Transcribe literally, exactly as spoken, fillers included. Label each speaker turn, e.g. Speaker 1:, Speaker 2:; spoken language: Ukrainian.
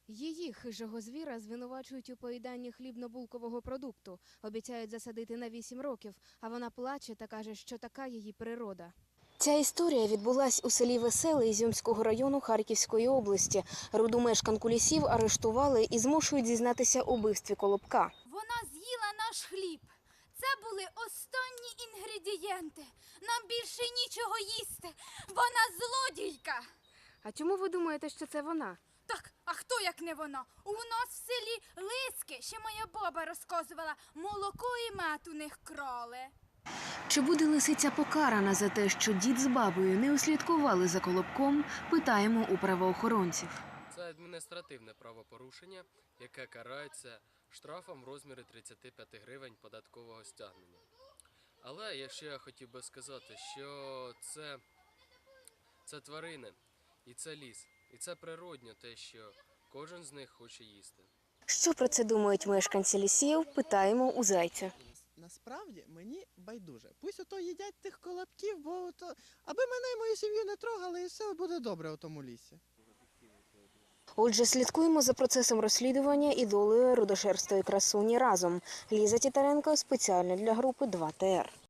Speaker 1: Її, хижого звіра, звинувачують у поїданні хлібно-булкового продукту. Обіцяють засадити на вісім років, а вона плаче та каже, що така її природа. Ця історія відбулась у селі Веселе Ізюмського району Харківської області. Руду мешканку Лісів арештували і змушують зізнатися у вбивстві Колобка.
Speaker 2: Вона з'їла наш хліб. Це були останні інгредієнти. Нам більше нічого їсти. Вона злодійка.
Speaker 1: А чому ви думаєте, що це вона?
Speaker 2: Так, а хто як не вона? У нас в селі лиски, ще моя баба розказувала, молоко і мед у них крали.
Speaker 1: Чи буде лисиця покарана за те, що дід з бабою не услідкували за Колобком, питаємо у правоохоронців.
Speaker 3: Це адміністративне правопорушення, яке карається штрафом в розмірі тридцяти п'яти гривень податкового стягнення. Але якщо я хотів би сказати, що це, це тварини і це ліс, і це природньо те, що кожен з них хоче їсти.
Speaker 1: Що про це думають мешканці Лісів, питаємо у Зайця.
Speaker 4: Насправді мені байдуже. Пусть ото їдять тих колобків, бо ото, аби мене і мою сім'ю не трогали, і все буде добре у тому лісі.
Speaker 1: Отже, слідкуємо за процесом розслідування і долею рудошерстої красуні разом. Ліза Тітаренко спеціально для групи два Т Р.